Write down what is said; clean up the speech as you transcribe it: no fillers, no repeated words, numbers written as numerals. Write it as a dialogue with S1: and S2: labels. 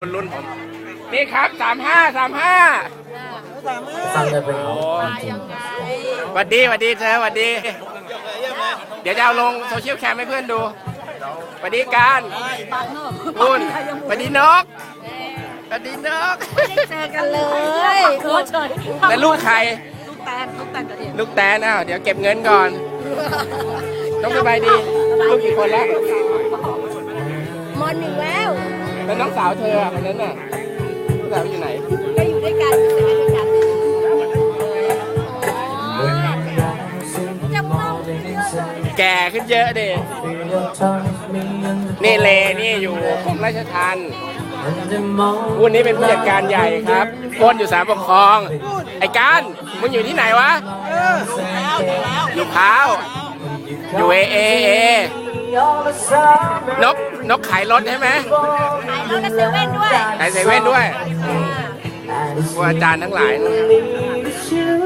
S1: รุ่นผมนี่ครับ35
S2: ฟังเลยเป็นของจริง
S1: หวัดดีเธอหวัดดี เดี๋ยวจะเอาลงโซเชียลแคมให้เพื่อนดูหวัดดีการคุณหวัดดีนกหวัดดีนก
S3: ไม่ได้เจอกันเลยโคตรเฉย
S1: แล้วลูกใคร
S3: ลูกแตนกับเอ็ม
S1: ลูกแตนอ้าวเดี๋ยวเก็บเงินก่อนต้องสบายดีลูกกี่คนแล้ว
S3: มอนหนึ่งแล้ว
S1: แล้วน้องสาวเธอคนนั้นน่ะน้องสาวอยู่ไหน
S3: ก็อยู่ด้วยกันอยู่ด้วยกันจำต้องเยอะเลย
S1: แก่ขึ้นเยอะดินี่เลนี่อยู่กรมราชทัณฑ์วุ้นนี้เป็นผู้จัดการใหญ่ครับก้นอยู่ศาลปกครอง ไอ้การมึงอยู่ที่ไหนวะอยู่พร้าวอยู่นกขายรถใช่ไหม
S3: ขายรถและเซเว่นด้วย
S1: ขายเซเว่นด้วยพวกอาจารย์ทั้งหลายนะครับ